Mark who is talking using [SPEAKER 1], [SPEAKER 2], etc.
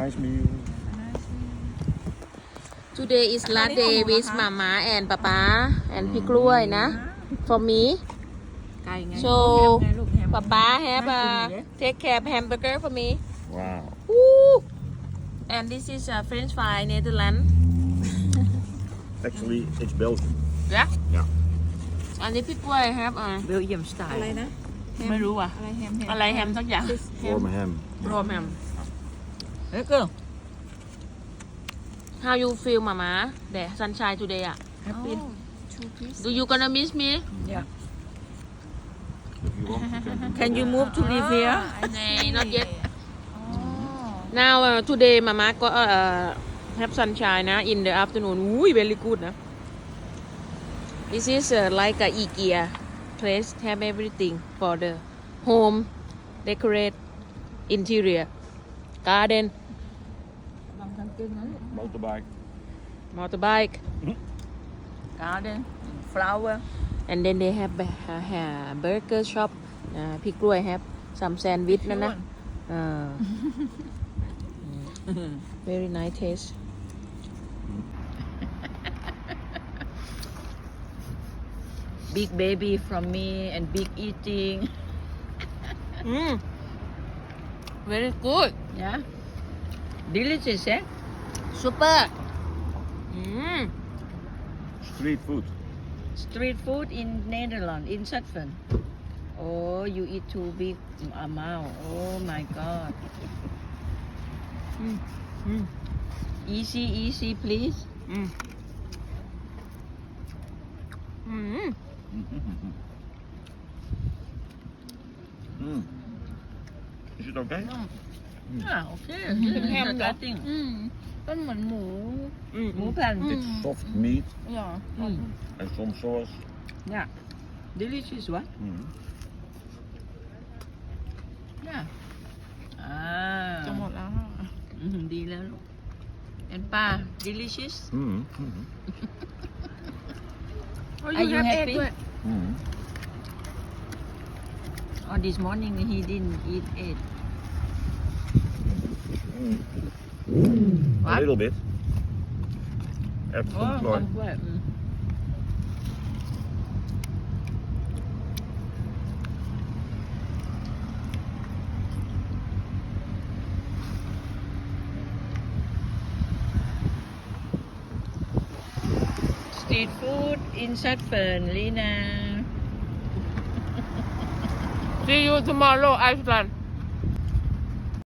[SPEAKER 1] nice meal.
[SPEAKER 2] Today is last day with Mama and Papa and พี่กล้วยนะ for me
[SPEAKER 3] ไก่ไง
[SPEAKER 2] so
[SPEAKER 3] แฮมไงลูกแฮม
[SPEAKER 2] Papa have
[SPEAKER 3] น่า
[SPEAKER 2] a
[SPEAKER 3] กินเลย
[SPEAKER 2] take care of hamburger for me
[SPEAKER 1] Wow.
[SPEAKER 2] Woo! and this is a French fry Netherlands
[SPEAKER 1] Actually, it's Belgium.
[SPEAKER 2] yeah
[SPEAKER 1] Yeah.
[SPEAKER 2] อันนี้พี่กล้วย have a
[SPEAKER 3] เบลเยียมสไตล์
[SPEAKER 4] อะไรนะ
[SPEAKER 2] ไม่รู้อ่ะ
[SPEAKER 4] อะไรแฮม
[SPEAKER 2] อะไรแฮมสักอย่าง
[SPEAKER 1] Warm ham.
[SPEAKER 2] รวมแฮม
[SPEAKER 3] เฮ้ยเกิร์ล
[SPEAKER 2] how you feel Mama the sunshine today อ่ะ
[SPEAKER 3] แฮปปี้
[SPEAKER 4] two piece
[SPEAKER 2] do you gonna miss me
[SPEAKER 3] yeah
[SPEAKER 1] If you want, you can.
[SPEAKER 3] can you move to live here
[SPEAKER 2] Nay, not yet.
[SPEAKER 4] อ๋อ
[SPEAKER 2] now today Mama got have sunshine นะ in the afternoon อุ้ย very good นะ this is like a IKEA place have everything for the home decorate interior garden
[SPEAKER 1] Motorbike.
[SPEAKER 2] motorbike
[SPEAKER 3] garden flower
[SPEAKER 2] and then they have burger shop พี่กล้วย have some sandwich นั่นนะ very nice taste
[SPEAKER 3] big baby from me and big eating
[SPEAKER 2] very good
[SPEAKER 3] yeah delicious eh
[SPEAKER 2] super
[SPEAKER 1] Street food.
[SPEAKER 3] street food in Netherlands in Zutphen oh you eat too big amount oh my god easy please
[SPEAKER 1] Mm. Is it okay?
[SPEAKER 3] ah okay
[SPEAKER 2] Ham
[SPEAKER 3] Good
[SPEAKER 2] đó.
[SPEAKER 3] cutting
[SPEAKER 4] เป็นเหมือนหมู
[SPEAKER 3] หมูแผ่น
[SPEAKER 1] It's soft meat
[SPEAKER 4] เหรอ
[SPEAKER 1] and some sauce.
[SPEAKER 3] yeah delicious what
[SPEAKER 1] Mm.
[SPEAKER 3] yeah
[SPEAKER 4] จะหมดแล้ว
[SPEAKER 3] ดีแล้วลูกเอ็นป้า delicious
[SPEAKER 1] Mm.
[SPEAKER 4] Oh,
[SPEAKER 3] Are you
[SPEAKER 4] have egg
[SPEAKER 3] happy?
[SPEAKER 4] ด้วย
[SPEAKER 1] Mm.
[SPEAKER 3] oh this morning he didn't eat it
[SPEAKER 1] A little bit. Add some
[SPEAKER 3] oh
[SPEAKER 1] flour.
[SPEAKER 3] คนกล้วย street food in Zutphen Lina
[SPEAKER 2] see you tomorrow Iceland